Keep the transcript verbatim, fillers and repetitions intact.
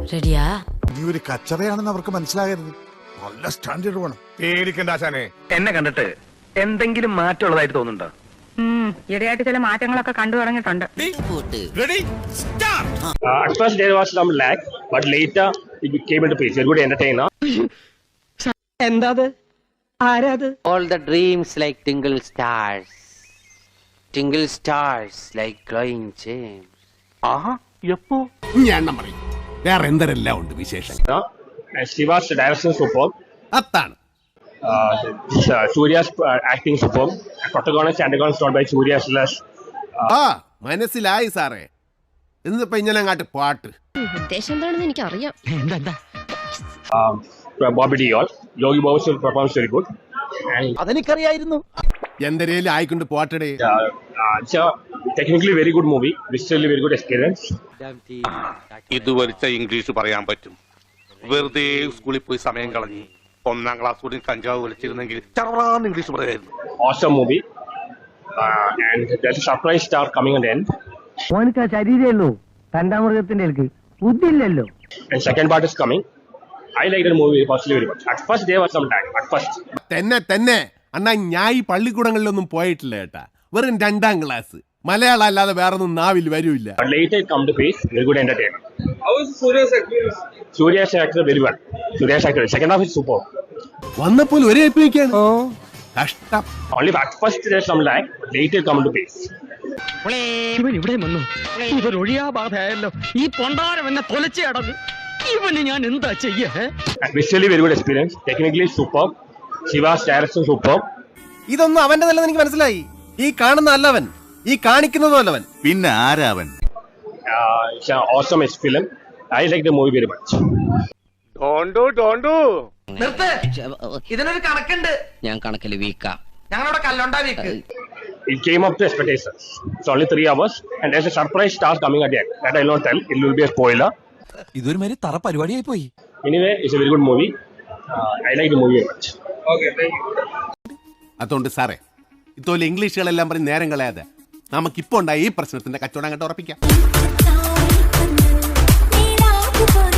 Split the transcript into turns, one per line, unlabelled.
റെഡിയാ?
നീ ഒരു കച്ചറയാണെന്ന് അവർക്ക് മനസ്സിലാകരുത്. നല്ല സ്റ്റാൻഡേർഡ് വേണം.
പേടിക്കണ്ട ആശാനെ. എന്നെ കണ്ടിട്ട് എന്തെങ്കിലും മാറ്റമുള്ളതായിട്ട് തോന്നുന്നുണ്ടോ?
ഈയിടെയായിട്ട് ചില മാറ്റങ്ങളൊക്കെ കണ്ടു തുടങ്ങിയിട്ടുണ്ട്.
Uh, at first there was some lag, but later it came into place. Very good entertainer.
എന്താത്? ആരാത്?
All the dreams like tingle stars, tingle stars like glowing gems.
Aha, yeppo.
ഞാൻ പറയും വേറെ എന്തെല്ലാം ഉണ്ട് വിശേഷം.
And Shiva's direction superb.
അതാണ്.
Uh, uh, Surya's uh, acting superb. Protagonist and antagonist not by Surya slash.
ആ മനസ്സിലായി സാറേ. എന്നിപ്പോ ഇങ്ങനെ അങ്ങാട്ട് പാട്ട്.
ഉദ്ദേശം എന്താണെന്ന് എനിക്ക് അറിയാം.
Um, Bobby Deol. Yogi Babu's performance very good. And
അതെനിക്കറിയായിരുന്നു.
എന്തരേലും ആയിക്കൊണ്ട് പോട്ടടേ.
uh, uh, it's a technically very good movie. Visually very good experience.
ഇത് വലിച്ച ഇംഗ്ലീഷ് പറയാൻ പറ്റും. വെറുതെ സ്കൂളിൽ പോയി സമയം കളഞ്ഞ് ഒന്നാം ക്ലാസ് കൂടി കഞ്ചാവ് വലിച്ചിരുന്നെങ്കിൽ ചറവറാന്ന് ഇംഗ്ലീഷ് പറയായിരുന്നു.
Awesome movie. Uh, and there's a surprise star coming at the end.
ഓനക്ക് ശരീരേ ഉള്ളൂ, രണ്ടാമൃഗത്തിന്റെ ബുദ്ധിയില്ലല്ലോ.
And second part is coming. I like the movie personally very much. At first there was some lag. At first.
തന്നെ തന്നെ അണ്ണാ ഞാൻ ഈ പള്ളിക്കൂടങ്ങളിലൊന്നും പോയിട്ടില്ല കേട്ടാ. വെറും രണ്ടാം ക്ലാസ്. മലയാളം അല്ലാതെ വേറൊന്നും നാവിൽ വരൂല്ല.
But later it come to face. Very good entertainment. How is Surya's acting? Surya's actor very well. Surya's actor. Second half is super.
വന്നപ്പോൾ ഒരേ എപ്പിക്കാണ്. കഷ്ടം.
Only at first there's some lag. But later it come to face.
ഇവൻ ഇവിടെ വന്നു. ഇതൊരു ഒഴിയാ ബാധയല്ലോ. ഈ പൊണ്ടാരം എന്നെ തൊലച്ച് അടങ്ങും. ഇവന് ഞാൻ എന്താ ചെയ്യേ?
And visually very good experience. Technically superb. Shiva's direction superb.
ഇതൊന്നും അവന്റെ നല്ലത് എനിക്ക് മനസ്സിലായി. ഈ കാണുന്ന അല്ലവൻ, ഈ കാണിക്കുന്നതും അല്ലവൻ. പിന്നെ ആരാവൻ?
Uh, it's an awesome film. I like the movie very much.
ഡോണ്ടു ഡോണ്ടു
ഇതിനൊരു കണക്കുണ്ട്.
ഞാൻ കണക്കിൽ വീക്കാ.
ഞങ്ങളവിടെ കല്ലുണ്ടാ weak.
It came up to expectations. It's only three hours. And there's a surprise star coming at the end. That I will not tell. It will be a spoiler.
ഇതൊരു മാതിരി തറ പരിപാടിയായി പോയി.
Anyway, it's a very good movie. Uh, I like the movie very much. Okay, thank you.
അതുകൊണ്ട് സാറേ ഇത്തോലെ ഇംഗ്ലീഷുകളെല്ലാം പറഞ്ഞ് നേരം കളയാതെ നമുക്കിപ്പോ ഉണ്ടായ ഈ പ്രശ്നത്തിന്റെ കച്ചവടം അങ്ങോട്ട് ഉറപ്പിക്കാം.